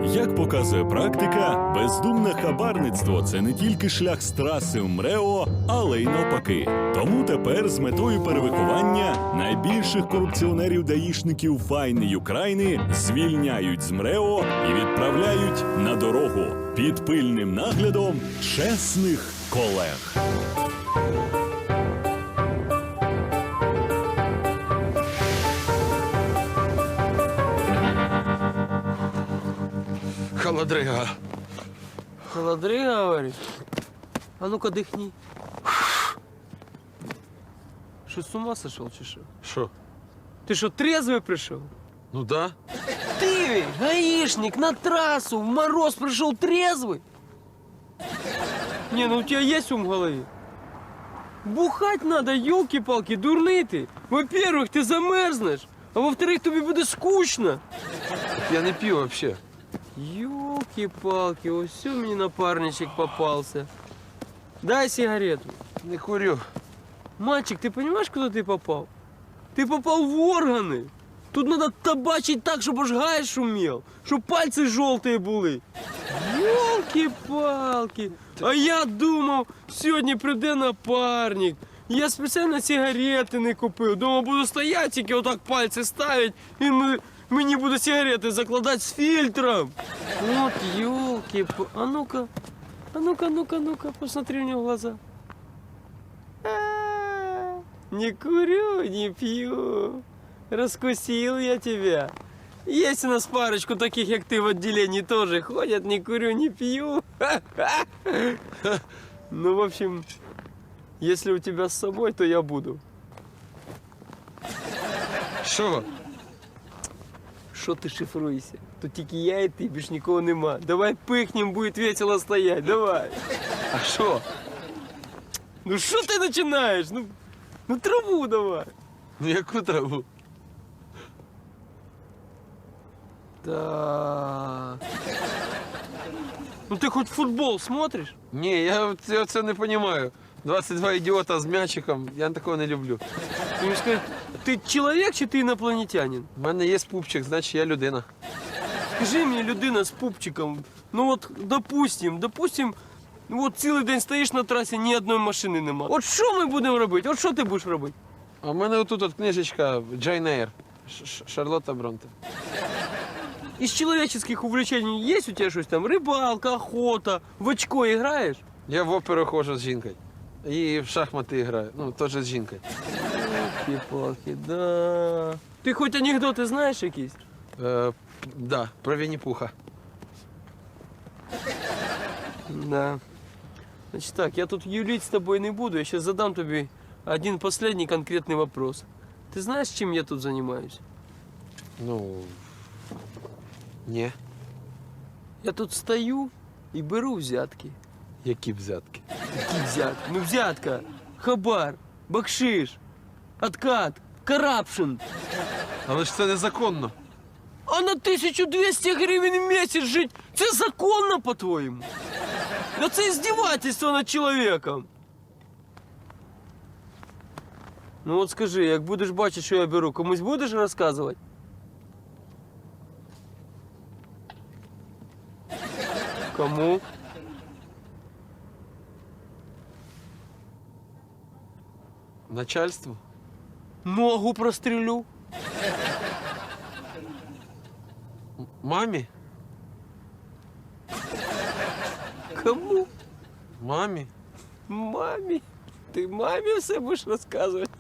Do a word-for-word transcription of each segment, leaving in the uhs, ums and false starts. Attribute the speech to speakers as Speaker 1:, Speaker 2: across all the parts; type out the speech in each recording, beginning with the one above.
Speaker 1: Як показує практика, бездумне хабарництво – це не тільки шлях з траси в МРЕО, але й навпаки. Тому тепер з метою перевиховання найбільших корупціонерів-даїшників файної України звільняють з МРЕО і відправляють на дорогу під пильним наглядом чесних колег.
Speaker 2: Холодрига.
Speaker 3: Холодрига, говоришь? А ну-ка дыхни. Что, с ума сошел, чи что?
Speaker 2: Що?
Speaker 3: Ты что, трезвый пришел?
Speaker 2: Ну да.
Speaker 3: Ты, гаишник, на трассу, в мороз пришел трезвый? Не, ну у тебя есть ум в голове? Бухать надо, елки-палки, дурный ты. Во-первых, ты замерзнешь, а во-вторых, тебе будет скучно.
Speaker 2: Я не п'ю вообще.
Speaker 3: Ёлки-палки, вот все мне напарничек попался. Дай сигарету.
Speaker 2: Не курю.
Speaker 3: Мальчик, ты понимаешь, куда ты попал? Ты попал в органы. Тут надо табачить так, чтобы аж гай шумел, чтобы пальцы желтые были. Ёлки-палки. А я думав, сьогодні прийде напарник. Я спеціально сигарети не купив. Думав, буду стояти, тільки отак пальці ставити, і ми... Мені будуть сигарети закладати з фільтром. От елки. А ну-ка, а ну-ка, ну-ка, ну-ка, посмотри мне в глаза. А, не курю, не пью. Раскусил я тебя. Есть у нас парочку таких, как ты, в отделении тоже ходят, не курю, не пью. Ну, в общем, если у тебя с собой, то я буду.
Speaker 2: Що?
Speaker 3: Що ти шифруєшся? Тут тільки я і ти, більш нікого нема. Давай пихнем, буде весело стоять, давай.
Speaker 2: А що?
Speaker 3: Ну що ти починаєш? Ну, ну траву давай.
Speaker 2: Ну яку траву?
Speaker 3: Так. Ну ти хоч футбол смотриш?
Speaker 2: Ні, я, я це не розумію. двадцять два ідіота з м'ячиком, я такого не люблю.
Speaker 3: Ти мені скажи, ти чоловік чи ти інопланетянин?
Speaker 2: У мене є пупчик, значить я людина.
Speaker 3: Скажи мені, людина з пупчиком, ну от, допустим, допустим, от цілий день стоїш на трасі, ні одної машини нема. От що ми будемо робити? От що ти будеш робити?
Speaker 2: А в мене отут от книжечка Джейн Ейр. Ш- Шарлотта Бронте.
Speaker 3: Из человеческих увлечений есть у тебя что-то там? Рыбалка, охота, в очко играешь?
Speaker 2: Я в оперу ходжу з жінкою. І в шахмати граю. Ну, теж з жінкою.
Speaker 3: Палки, да. Ты хоть анекдоты знаешь якісь?
Speaker 2: Е, да, про Вінні-Пуха.
Speaker 3: Да. Значит так, я тут юлить с тобой не буду, я сейчас задам тебе один последний конкретный вопрос. Ты знаешь, чем я тут занимаюсь?
Speaker 2: Ну, ні.
Speaker 3: Я тут стою и беру взятки.
Speaker 2: Які взятки?
Speaker 3: Какие взятки? Ну взятка, хабар, бакшиш, откат, карапшн.
Speaker 2: Але ж це незаконно.
Speaker 3: А на тисячу двісті гривень в місяць жить, це законно, по-твоєму? Да це здівательство над чоловіком. Ну от скажи, як будеш бачити, що я беру, комусь будеш розказувати? Кому?
Speaker 2: Начальству?
Speaker 3: Ногу прострелю.
Speaker 2: М- Мамі?
Speaker 3: Кому?
Speaker 2: Мамі?
Speaker 3: Мамі. Ти мамі все будеш розказувати?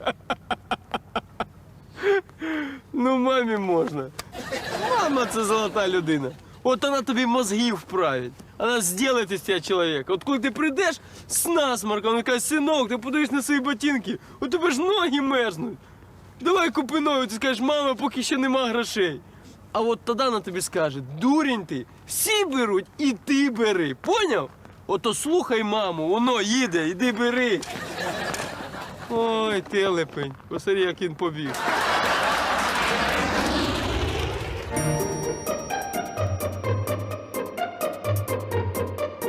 Speaker 3: Ну, мамі можна. Мама – це золота людина. От вона тобі мозги вправить. Вона зробить із тебе чоловіка. От коли ти прийдеш з насморком, вона каже, синок, ти подивись на свої ботинки, у тебе ж ноги мерзнуть. Давай купи нові, ти скажеш, мама, поки ще нема грошей. А от тоді вона тобі скаже, дурень ти, всі беруть і ти бери. Поняв? Ото слухай маму, воно їде, іди бери. Ой, телепень, посмотри, як він побіг.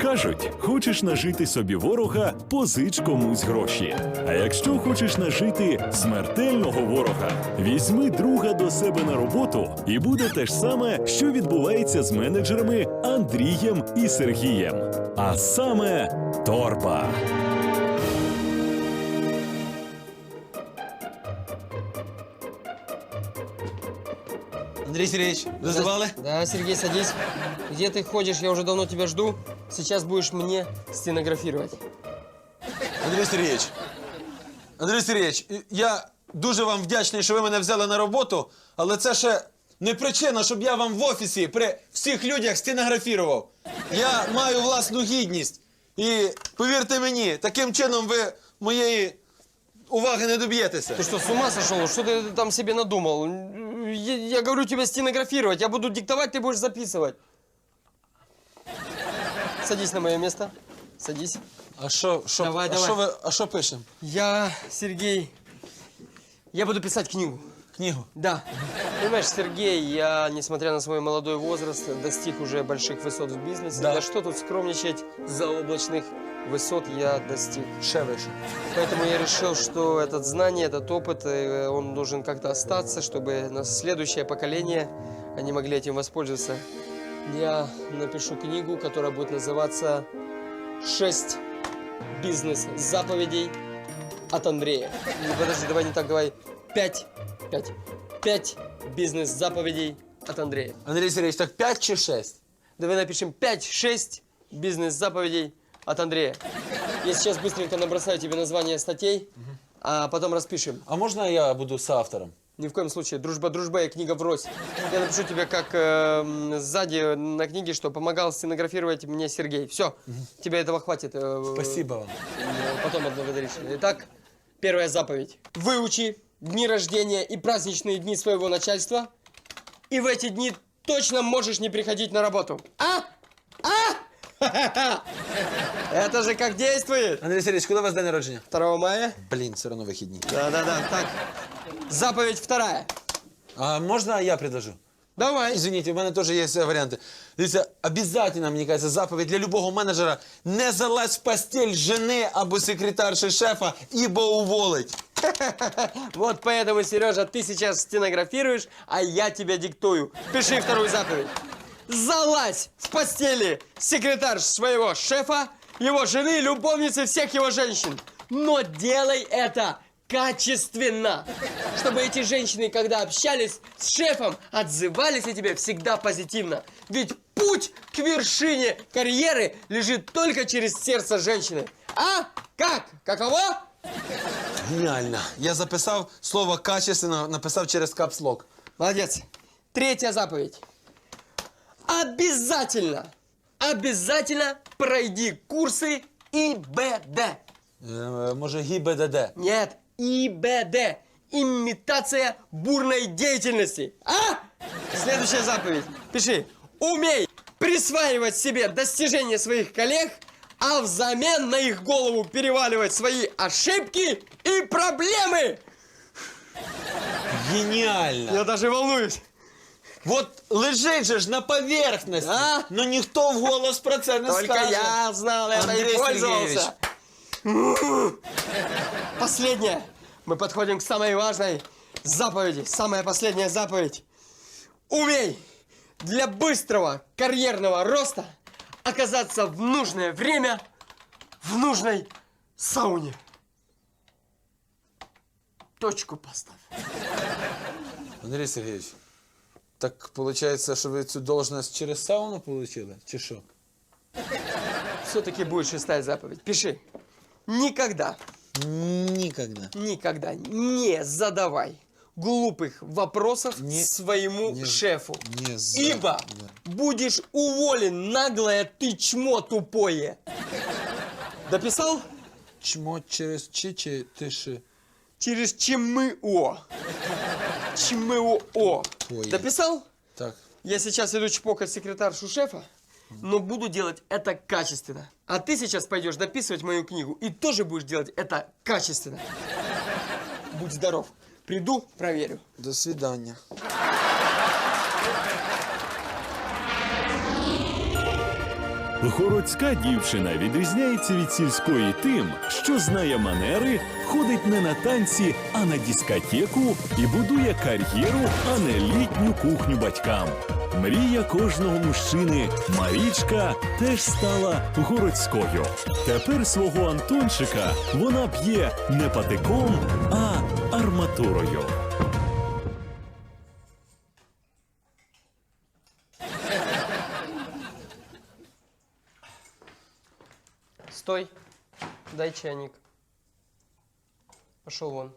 Speaker 1: Кажуть, хочеш нажити собі ворога, позич комусь гроші. А якщо хочеш нажити смертельного ворога, візьми друга до себе на роботу, і буде те ж саме, що відбувається з менеджерами Андрієм і Сергієм. А саме торба.
Speaker 4: Андрей Сергеевич, вызывали?
Speaker 3: Да, Сергей, садись. Где ты ходишь? Я уже давно тебя жду. Сейчас будешь мне стенографировать.
Speaker 4: Андрій Сергійович, Андрій Сергійович, я дуже вам вдячний, що ви мене взяли на роботу, але це ще не причина, щоб я вам в офісі при всіх людях стенографував. Я маю власну гідність. І повірте мені, таким чином ви моєї уваги не доб'єтеся.
Speaker 3: Ты что, с ума сошел? Что ты там себе надумал? Я, я говорю тебе стенографировать. Я буду диктовать, ты будешь записывать. Садись на мое место. Садись.
Speaker 4: А що, що,
Speaker 3: Давай,
Speaker 4: а
Speaker 3: давай.
Speaker 4: що ви, а що пишемо?
Speaker 3: Я, Сергей, я буду писать книгу.
Speaker 4: Книгу?
Speaker 3: Да. Понимаешь, Сергей, я, несмотря на свой молодой возраст, достиг уже больших высот в бизнесе.
Speaker 4: Да.
Speaker 3: Да что тут скромничать, заоблачных высот я достиг.
Speaker 4: Ще вище.
Speaker 3: Поэтому я решил, что этот знание, этот опыт, э, он должен как-то остаться, чтобы на следующее поколение они могли этим воспользоваться. Я напишу книгу, которая будет называться «Шесть бизнес-заповедей от Андрея». Не, подожди, давай не так, давай. Пять. Пять. Пять бизнес-заповедей от Андрея.
Speaker 4: Андрій Сергійович, так п'ять чи шесть?
Speaker 3: Давай напишем пять-шесть бизнес-заповедей от Андрея. Я сейчас быстренько набросаю тебе название статей, а потом распишем.
Speaker 4: А можна я буду соавтором?
Speaker 3: Ни в коем случае. Дружба дружба и книга врозь. Я напишу тебе, как э, сзади на книге, что помогал стенографировать мне Сергей. Все, тебе этого хватит. э,
Speaker 4: Спасибо вам.
Speaker 3: э, Потом отблагодаришь. Итак, первая заповедь. Выучи дни рождения и праздничные дни своего начальства, и в эти дни точно можешь не приходить на работу. А? А? Это же как действует?
Speaker 4: Андрій Сергійович, коли у вас день народження?
Speaker 3: второго мая?
Speaker 4: Блін, все одно вихідні.
Speaker 3: Да-да-да. Так, заповедь вторая.
Speaker 4: А можна я предложу?
Speaker 3: Давай.
Speaker 4: Извините, у мене теж є варіанти. Дивіться, обов'язково, мені кажеться, заповідь для любого менеджера – не залазь в постель жени або секретарши шефа, ібо уволить.
Speaker 3: Вот поэтому, Сережа, ты сейчас стенографируешь, а я тебе диктую. Пиши вторую заповедь. Залазь в постели секретарь своего шефа, его жены, любовницы, всех его женщин. Но делай это качественно. Чтобы эти женщины, когда общались с шефом, отзывались о тебе всегда позитивно. Ведь путь к вершине карьеры лежит только через сердце женщины. А? Как? Каково?
Speaker 4: Геніально. Я записав слово «качественно», написав через капслок.
Speaker 3: Молодец. Третья заповедь. Обязательно, обязательно пройди курсы И Б Д.
Speaker 4: Е, може, ГІБДД?
Speaker 3: Нет, И Б Д. Имитация бурной деятельности. А? Следующая заповедь. Пиши. Умей присваивать себе достижения своих коллег, а взамен на их голову переваливать свои ошибки и проблемы.
Speaker 4: Геніально.
Speaker 3: Я даже волнуюсь.
Speaker 4: Вот лежить же ж на поверхності,
Speaker 3: А?
Speaker 4: но ніхто вголос про це не
Speaker 3: Только
Speaker 4: скаже.
Speaker 3: я знал это
Speaker 4: Андрей
Speaker 3: и пользовался. Последнее. Мы подходим к самой важной заповеди. Самая последняя заповедь. Умей для быстрого карьерного роста оказаться в нужное время в нужной сауне. Точку поставь.
Speaker 4: Андрій Сергійович, так виходить, що ви цю должность через сауну отримали, чи що?
Speaker 3: Все-таки будет шестая заповедь. Пиши. Никогда,
Speaker 4: Ніколи.
Speaker 3: никогда не задавай глупых вопросов
Speaker 4: Не-
Speaker 3: своему
Speaker 4: не-
Speaker 3: шефу.
Speaker 4: не за-
Speaker 3: Ибо будешь уволен, наглое ты чмо тупое. Дописал?
Speaker 4: Чмо через чи чи тиши.
Speaker 3: Через ЧМО. ЧМО.
Speaker 4: Ой.
Speaker 3: Дописал?
Speaker 4: Так.
Speaker 3: Я сейчас иду чпокать секретаршу шефа, но буду делать это качественно. А ты сейчас пойдешь дописывать мою книгу и тоже будешь делать это качественно. Будь здоров. Приду, проверю.
Speaker 4: До свидання.
Speaker 1: Городська дівчина відрізняється від сільської тим, що знає манери, ходить не на танці, а на дискотеку і будує кар'єру, а не літню кухню батькам. Мрія кожного мужчини Марічка теж стала городською. Тепер свого Антончика вона б'є не патиком, а арматурою.
Speaker 3: Стой. Дай чайник. Пошел вон.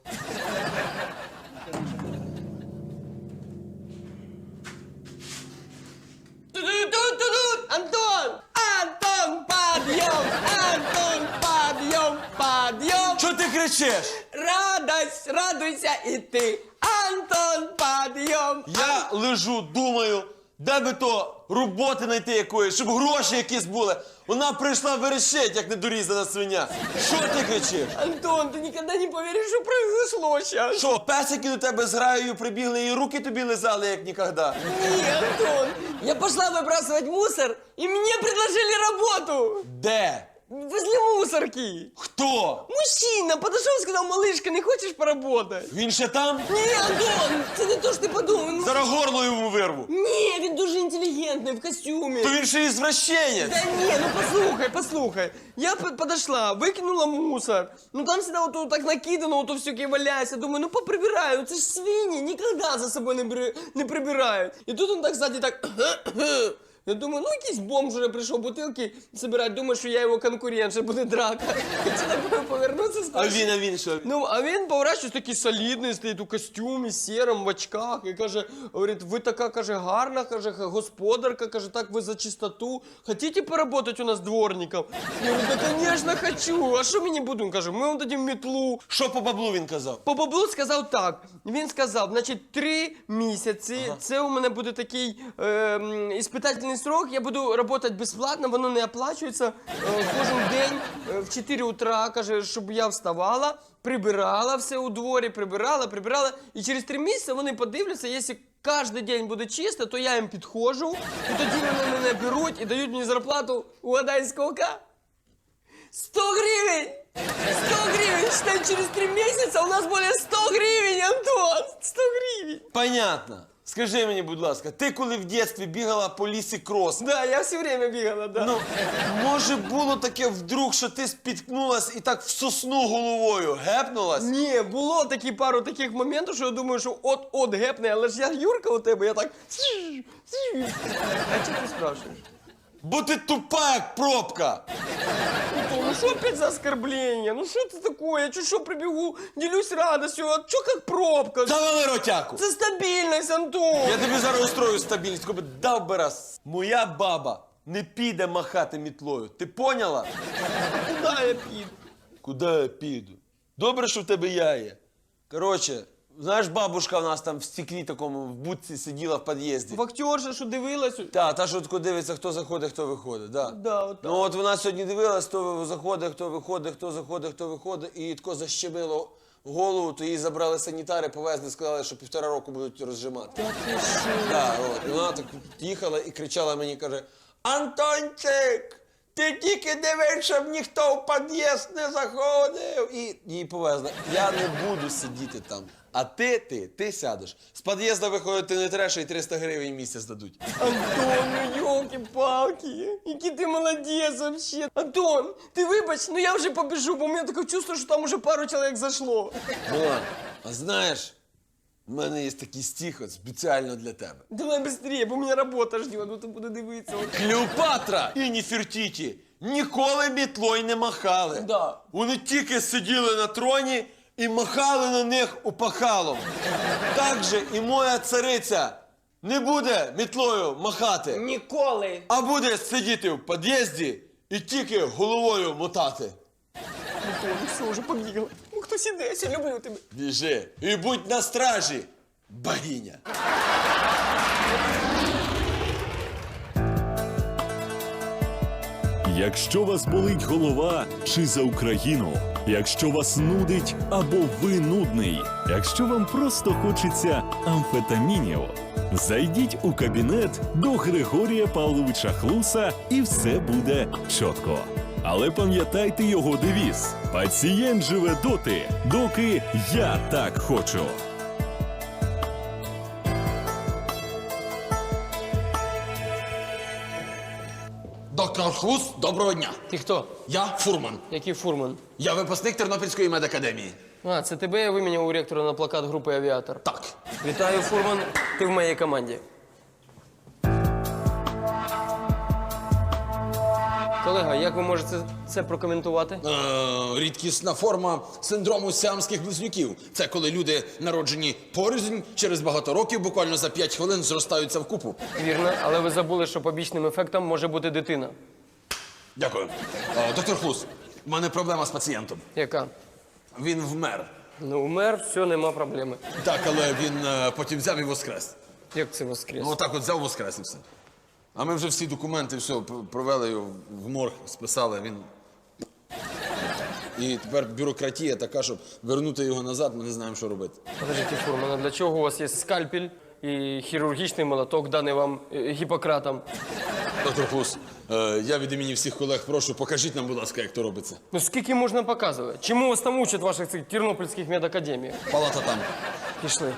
Speaker 3: Ту-ду-ду-ду-ду! Антон! Антон, подъем! Антон, подъем, подъем!
Speaker 4: Що ти кричиш?
Speaker 3: Радость, радуйся и ты! Антон, подъем!
Speaker 4: Я лежу, думаю, де би то роботи знайти якоїсь, щоб гроші якісь були. Вона прийшла верещить, як недорізана свиня. Що ти кричиш?
Speaker 3: Антон, ты никогда не поверишь, что произошло сейчас.
Speaker 4: Що, песики до тебе з граєю прибігли і руки тобі лизали, як ніколи?
Speaker 3: Не, Антон, я пошла выбрасывать мусор, и мне предложили работу.
Speaker 4: Де?
Speaker 3: Возле мусорки.
Speaker 4: Хто?
Speaker 3: Мужчина подошел и сказал: малышка, не хочешь поработать?
Speaker 4: Він ще там?
Speaker 3: Не, Антон, це не то, що ти подумав. Він...
Speaker 4: Зараз горло йому вирву.
Speaker 3: Ні, він дуже інтелігентний, в костюмі.
Speaker 4: То він ще і звращенець.
Speaker 3: Да ні, ну послухай, послухай. Я п- подошла, викинула мусор. Ну там всегда вот, вот так накидано, вот все валяется. Думаю, ну поприбираю, ну це ж свині, ніколи за собою не, бри... не прибирають. І тут він так сзади так... Я думаю, ну якийсь бомж вже прийшов бутилки збирати, думаю, що я його конкурент, що буде драка. Хотіла б повернутися,
Speaker 4: А він, а він що?
Speaker 3: Ну, а він поворачується такий солідний, стоїть у костюмі, сірому, в очках, і каже, говорить, ви така, каже, гарна, каже, господарка, каже, так ви за чистоту. Хотите поработать у нас дворником? Я говорю, да, конечно, хочу. А що мені буде? Він каже, ми вам дадим метлу.
Speaker 4: Що по баблу він казав?
Speaker 3: По баблу сказав так. Він сказав, значить, три місяці, ага. Це у мене буде такий е, м, іспитательний срок, я буду працювати безплатно, воно не оплачується. Е, кожен день е, в чотири утра, каже, щоб я вставала, прибирала все у дворі, прибирала, прибирала. І через три місяці вони подивляться, якщо кожен день буде чисто, то я їм підходжу, і тоді вони мене беруть і дають мені зарплату, угадай, скільки? сто гривень! сто гривень! Считай, через три месяца у нас более сто гривень, Антон! сто гривень!
Speaker 4: Понятно. Скажи мені, будь ласка, ти коли в дитинстві бігала по лісі крос,
Speaker 3: Да, я все время бегала, да.
Speaker 4: ну, може було таке вдруг, що ти спіткнулась і так в сосну головою гепнулась?
Speaker 3: Ні, було такі пару таких моментів, що я думаю, що от-от гепне, але ж я Юрка у тебе, я так... А чого ти спрашиваєш?
Speaker 4: Бо ти тупа, як пробка.
Speaker 3: Антон, ну что опять за оскорбление? Ну что это такое? Я чуть что прибегу, делюсь радостью, а чё как пробка?
Speaker 4: Завали ротяку.
Speaker 3: Это стабильность, Антон!
Speaker 4: Я тобі зараз устрою стабільність, коли дав би раз. Моя баба не піде махати мітлою. Ти поняла?
Speaker 3: Куда я піду?
Speaker 4: Куди я піду? Добре, що в тебе я є. Коротше, знаєш, бабушка у нас там в стеклі такому, в будці сиділа в під'їзді.
Speaker 3: Вахтерша, що дивилась?
Speaker 4: Та, та, що тако дивиться, хто заходить, хто виходить, да.
Speaker 3: Да, от так.
Speaker 4: Ну от вона сьогодні дивилась, хто заходить, хто виходить, хто заходить, хто виходить, і тако защемило голову, то її забрали санітари, повезли, сказали, що півтора року будуть розжимати. Да, от. І вона так їхала і кричала мені, каже: Антончик, ти тільки дивись, щоб ніхто в під'їзд не заходив. І її повезли. Я не буду сидіти там. А ти, ти, ти сядеш. З під'їзду виходити не треба, і триста гривень в місяць дадуть.
Speaker 3: Антон, ну ёлки-палки, який ти молодець вообще. Антон, ти вибач, ну я вже побіжу, бо у мене таке чувство, що там уже пару чоловік зайшло.
Speaker 4: Ну, а знаєш, в мене є такий стих от спеціально для тебе.
Speaker 3: Давай быстрее, бо мене робота ждет, ну ти буду дивитися. От.
Speaker 4: Клеопатра і Нефертіті ніколи мітлою не махали.
Speaker 3: Да.
Speaker 4: Вони тільки сиділи на троні і махали на них опахалом. Так же і моя цариця не буде мітлою махати,
Speaker 3: Ніколи.
Speaker 4: а буде сидіти в під'їзді і тільки головою мотати.
Speaker 3: Антон, ну все, вже побігла. Ну хтось іде, я люблю тебе.
Speaker 4: Біжи і будь на стражі, богиня.
Speaker 1: Якщо вас болить голова чи за Україну, якщо вас нудить або ви нудний, якщо вам просто хочеться амфетамінів, Зайдіть у кабінет до Григорія Павловича Хлуса і все буде чітко. Але пам'ятайте його девіз: пацієнт живе доти, доки я так хочу.
Speaker 4: Доктор Хлус, доброго дня.
Speaker 3: Ти хто?
Speaker 4: Я фурман.
Speaker 3: Який фурман?
Speaker 4: Я випускник Тернопільської медакадемії.
Speaker 3: А, це тебе я виміняв у ректора на плакат групи «Авіатор».
Speaker 4: Так.
Speaker 3: Вітаю, фурман. Ти в моїй команді. Колега, як ви можете це прокоментувати?
Speaker 4: Е, рідкісна форма синдрому сіамських близнюків. Це коли люди, народжені порознь, через багато років, буквально за п'ять хвилин зростаються в купу.
Speaker 3: Вірно, але ви забули, що побічним ефектом може бути дитина.
Speaker 4: Дякую. Е, доктор Хлус, в мене проблема з пацієнтом.
Speaker 3: Яка?
Speaker 4: Він вмер.
Speaker 3: Ну, умер, все, нема проблеми.
Speaker 4: Так, але він е, потім взяв і воскрес.
Speaker 3: Як це воскрес?
Speaker 4: Ну, отак от взяв, воскрес і все. А ми вже всі документи, все, п- провели його в морг, списали, він... І тепер бюрократія така, щоб вернути його назад, ми не знаємо, що робити.
Speaker 3: Подождіть, фурман, а для чого у вас є скальпель і хірургічний молоток, даний вам е, Гіппократом?
Speaker 4: Доктор Хлус, е, я від імені всіх колег прошу, покажіть нам, будь ласка, як то робиться.
Speaker 3: Ну скільки можна показувати? Чому вас там учать в ваших цих тернопільських медакадеміях?
Speaker 4: Палата там.
Speaker 3: Пішли.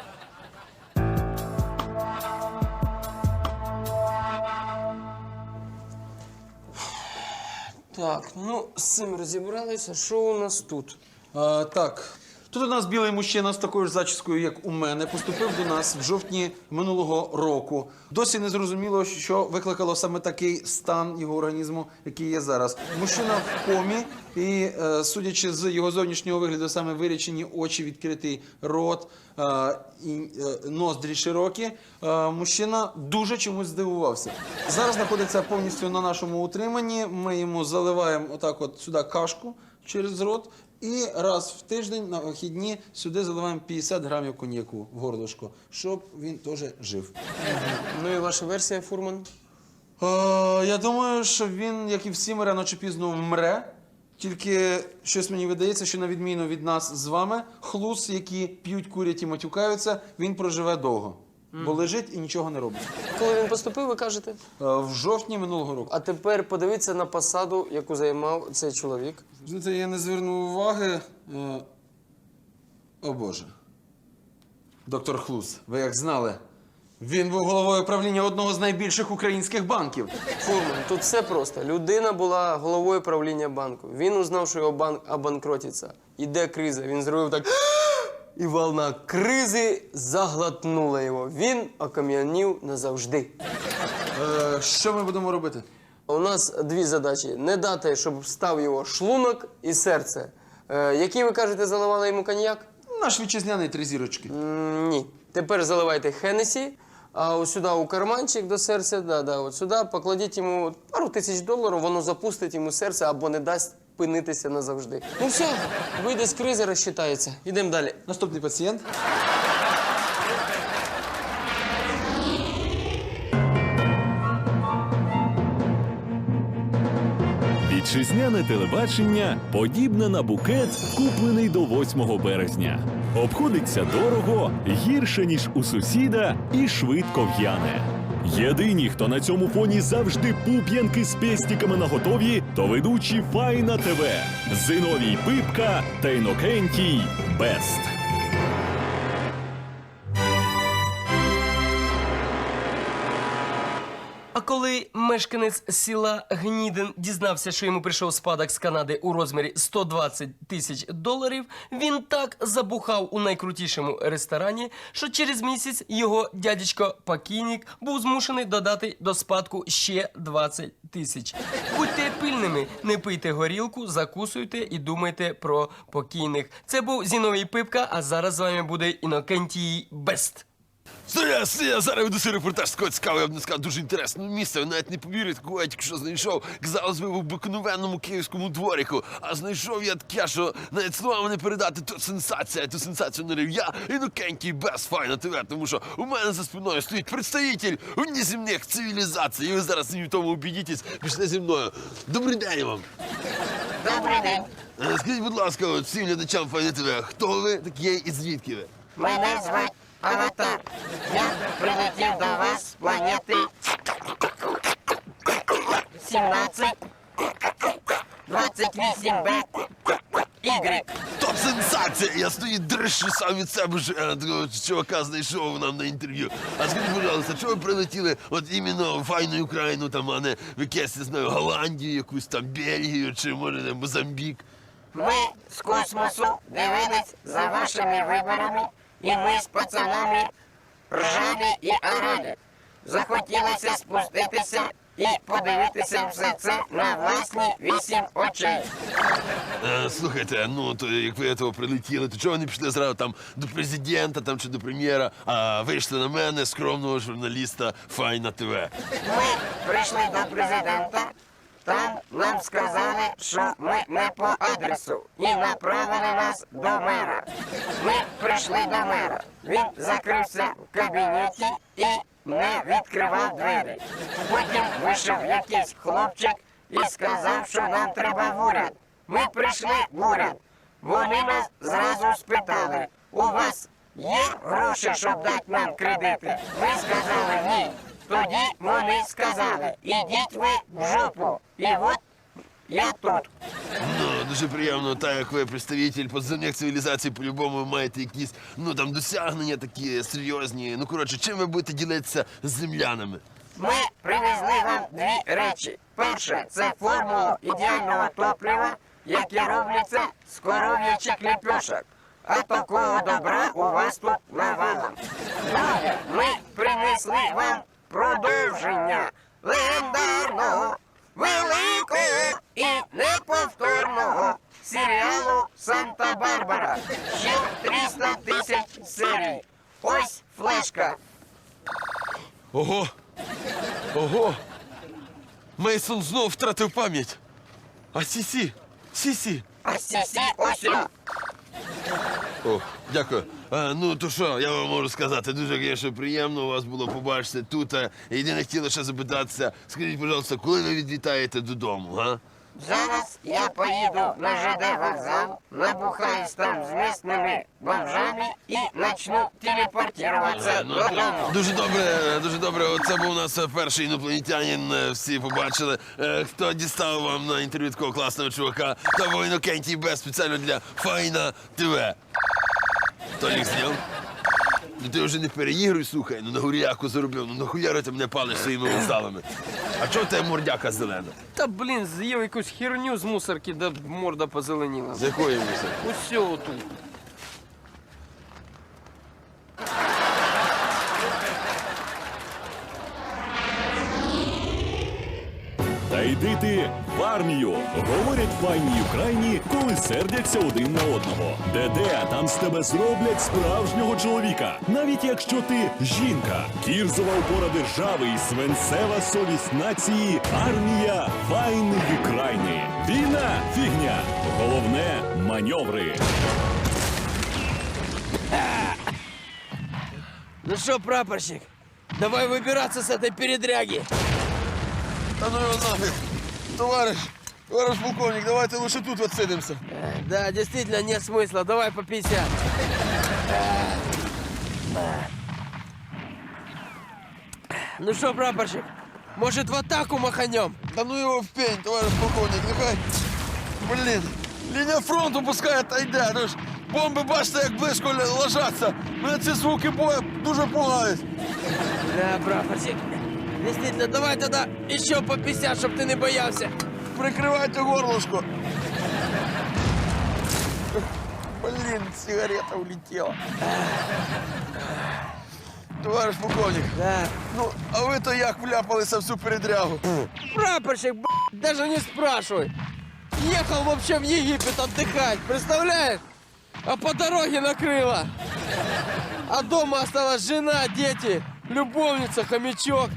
Speaker 3: Так, ну з цим розібралися. Що у нас тут?
Speaker 4: А, так. Тут у нас білий мужчина з такою ж зачіскою, як у мене, поступив до нас в жовтні минулого року. Досі не зрозуміло, що викликало саме такий стан його організму, який є зараз. Мужчина в комі і, е, судячи з його зовнішнього вигляду, саме вирічені очі, відкритий рот, е, і е, ноздрі широкі, е, мужчина дуже чомусь здивувався. Зараз знаходиться повністю на нашому утриманні. Ми йому заливаємо отак от сюди кашку через рот. І раз в тиждень на вихідні сюди заливаємо п'ятдесят грамів коньяку в горлышко, щоб він теж жив.
Speaker 3: Ну і ваша версія, фурман?
Speaker 4: Е, я думаю, що він, як і всі ми, рано чи пізно вмре. Тільки щось мені видається, що на відміну від нас з вами, хлус, які п'ють, курять і матюкаються, він проживе довго. Бо лежить і нічого не робить.
Speaker 3: Коли він поступив, ви кажете?
Speaker 4: Е, в жовтні минулого року.
Speaker 3: А тепер подивіться на посаду, яку займав цей чоловік.
Speaker 4: Знаєте, я не звернув уваги. Е, О Боже. Доктор Хлус, ви як знали, він був головою правління одного з найбільших українських банків.
Speaker 3: Фурман, тут все просто. Людина була головою правління банку. Він узнав, що його банк обанкротиться. Іде криза. Він зробив так. І волна кризи заглотнула його. Він окам'янів назавжди.
Speaker 4: Е, що ми будемо робити?
Speaker 3: У нас дві задачі. Не дати, щоб встав його шлунок і серце. Е, який, ви кажете, заливали йому коньяк?
Speaker 4: Наш вітчизняний три зірочки.
Speaker 3: М, ні. Тепер заливайте Хеннесі, а ось сюди у карманчик до серця, да, да, от сюди покладіть йому пару тисяч доларів, воно запустить йому серце або не дасть пинитися назавжди. Ну все, вийде з кризи, розчитається. Ідемо далі.
Speaker 4: Наступний пацієнт.
Speaker 1: Вітчизняне телебачення подібне на букет, куплений до восьмого березня. Обходиться дорого, гірше, ніж у сусіда, і швидко в'яне. Єдині, хто на цьому фоні завжди пуп'янки з пестиками наготові, то ведучі Файна ТВ, Зиновій Пипка та Інокентій Бест.
Speaker 3: А коли мешканець села Гнідин дізнався, що йому прийшов спадок з Канади у розмірі сто двадцять тисяч доларів, він так забухав у найкрутішому ресторані, що через місяць його дядечко-покійник був змушений додати до спадку ще двадцять тисяч. Будьте пильними, не пийте горілку, закусуйте і думайте про покійних. Це був Зіновій Пипка, а зараз з вами буде Інокентій Бест.
Speaker 2: Стоя, стоя, зараз веду цей репортаж з такого цікавого, я б не сказав, дуже інтересного місця. Ви навіть не повірите, кого я тільки що знайшов. Казалось би, в обикновенному київському дворику. А знайшов я таке, що навіть словами не передати, то сенсація. Ту сенсацію нарив я, Інокентій Бест, Файна ТВ, тому що у мене за спиною стоїть представитель внеземних цивілізацій. І ви зараз в тому убедитесь, пішли зі мною. Добрий день вам.
Speaker 5: Добрий день.
Speaker 2: Е, Скажіть, будь ласка, от всім глядачам Файна ТВ, хто ви такі і звідки ви?
Speaker 5: Мене звати Аватар. Я прилетів до вас з планети сімнадцять двадцять вісім Б Y.
Speaker 2: То сенсація! Я стою дрищу сам від себе ж е, такого чувака знайшов нам на інтерв'ю. А скажіть, пожалуйста, чого ви прилетіли от іменно в файну Україну, там, а не в якесь, не знаю, Голландію, якусь там Бельгію, чи може не Мозамбік?
Speaker 5: Ми з космосу дивились за вашими виборами, і ми з пацанами ржали і орали. Захотілося спуститися і подивитися все це на власні вісім очей.
Speaker 2: Е, слухайте, ну то як ви того прилетіли, то чого ви не пішли зразу там до президента там, чи до прем'єра, а вийшли на мене, скромного журналіста Файна ТВ?
Speaker 5: Ми прийшли до президента, там нам сказали, що ми не по адресу, і направили нас до мера. Ми прийшли до мера. Він закрився в кабінеті і не відкривав двері. Потім вийшов якийсь хлопчик і сказав, що нам треба в уряд. Ми прийшли в уряд. Вони нас зразу спитали, у вас є гроші, щоб дати нам кредити? Ми сказали ні. Тоді вони сказали, ідіть ви в жопу. І от я тут.
Speaker 2: Ну, дуже приємно, так як ви представитель подземних цивілізацій, по-любому ви маєте якісь, ну там досягнення такі серйозні. Ну, коротше, чим ви будете ділитися з землянами?
Speaker 5: Ми привезли вам дві речі. Перше, це формула ідеального топлива, яке робляться з коров'ячих ліпешок. А такого добра у вас тут навалом. Друге, ми принесли вам продовження легендарного, великого і неповторного серіалу «Санта-Барбара». Ще триста тисяч серій. Ось флешка.
Speaker 2: Ого! Ого! Мейсон знов втратив пам'ять. А Сісі? Сісі?
Speaker 5: А сісі ось сюди.
Speaker 2: О, дякую. А, ну то що, я вам можу сказати, дуже, звісно, приємно у вас було побачити тут. А, єдине хотіло ще запитатися, скажіть, будь ласка, коли ви відлітаєте додому, га?
Speaker 5: Зараз я поїду на ЖД вокзал, набухаюсь там з місними бомжами і начну телепортуватися
Speaker 2: Ну,
Speaker 5: додому.
Speaker 2: дуже добре, дуже добре. Оце був у нас перший інопланетянин, е, всі побачили. Е, Хто дістав вам на інтерв'ю такого класного чувака, та був Інокентій Б спеціально для Файна ТВ. Толік зняв? Ну ти вже не переігруй, слухай, ну на гуріяку заробив, ну нахуяри ти мене палиш своїми вокзалами. А чого в тебе мордяка зелена?
Speaker 3: Та блін, з'їв якусь херню з мусорки, да морда позеленіла.
Speaker 2: З якої мусор?
Speaker 3: Усьо тут.
Speaker 1: Та йди ти в армію. Говорять файні Україні, коли сердяться один на одного. Де-де, а там з тебе зроблять справжнього чоловіка. Навіть якщо ти жінка. Кірзова опора держави і свинцева совість нації. Армія файної України. Війна – фігня. Головне – маневри.
Speaker 6: Ну что, прапорщик, давай выбираться с этой передряги.
Speaker 2: Та ну його нафиг. Товариш, товариш полковник, давайте лише тут відсидимося.
Speaker 6: Э, Да, действительно, нет смысла, давай по пятьдесят. Ну что, прапорщик, может в атаку маханем?
Speaker 2: Та ну його в пень, товариш полковник, нехай. Блін, лінія фронту пускай отойде. Ну ж, бомби бачите, як близько л- ложаться. Мене ці звуки бою дуже пугають.
Speaker 6: Да, прапорщик, действительно, давай тогда еще по пятьдесят, чтоб ты не боялся.
Speaker 2: Прикривайте горлышко. Блін, сигарета улетіла. Товариш полковник,
Speaker 6: Да.
Speaker 2: ну, а ви то як вляпалися в цю передрягу?
Speaker 6: Прапорщик, б***ь, даже не спрашивай. Ехал вообще в Египет отдыхать, представляешь? А по дороге накрыло. А дома осталась жена, дети, любовница, хомячок.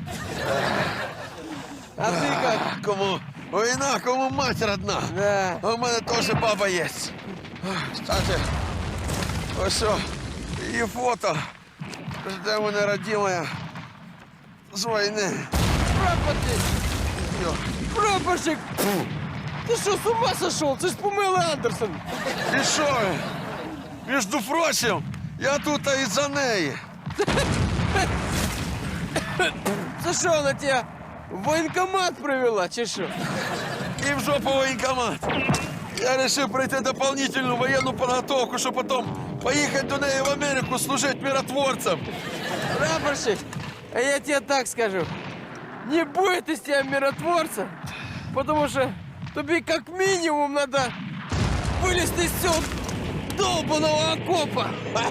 Speaker 6: А ты как?
Speaker 2: Кому війна, кому мать родна.
Speaker 6: Да.
Speaker 2: А в мене теж баба є. Кстати, ось що, її фото. Жде мене родимая з війни.
Speaker 6: Прапорщик!
Speaker 2: Йо.
Speaker 6: Прапорщик! Ты что, с ума сошел? Ты ж Памела Андерсон.
Speaker 2: І що ви? Між прочим, я тут із-за неї.
Speaker 6: Це що, вона тебе в воєнкомат привела, чи що?
Speaker 2: И в жопу военкомат. Я решил пройти дополнительную военную подготовку, чтобы потом поехать до неї в Америку служить миротворцем.
Speaker 6: Прапорщик, а я тебе так скажу. Не будет из тебя миротворца, потому что тебе как минимум надо вылезти из всего долбаного окопа.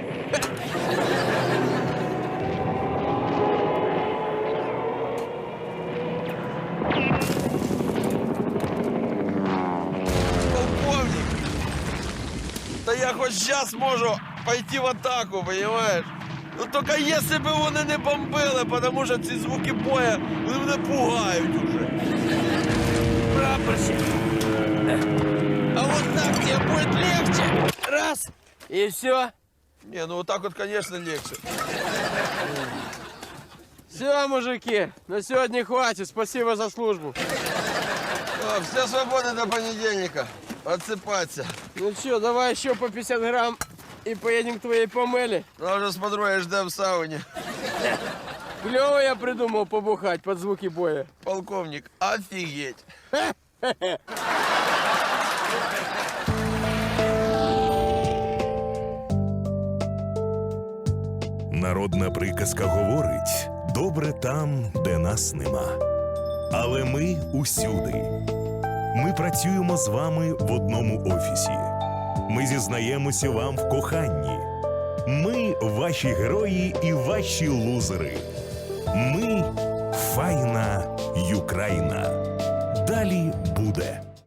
Speaker 2: Полковник, да я хоть сейчас можу пойти в атаку, понимаешь? Ну только если бы вони не бомбили, потому що ці звуки боя, вони мене пугають уже.
Speaker 6: Прапорщик, а вот так тебе будет легче. Раз, и все.
Speaker 2: Не, ну вот так вот, конечно, легче.
Speaker 6: Все, мужики, на сегодня хватит. Спасибо за службу.
Speaker 2: А, все свободны до понедельника. Отсыпаться.
Speaker 6: Ну что, давай еще по пятьдесят грамм и поедем к твоей помеле.
Speaker 2: Ну, уже с подругой ждем в сауне.
Speaker 6: Клево я придумал побухать под звуки боя.
Speaker 2: Полковник, офигеть.
Speaker 7: Народна приказка говорить: добре там, де нас нема. Але ми усюди. Ми працюємо з вами в одному офісі. Ми зізнаємося вам в коханні. Ми ваші герої і ваші лузери. Ми файна Юкраїна. Далі буде.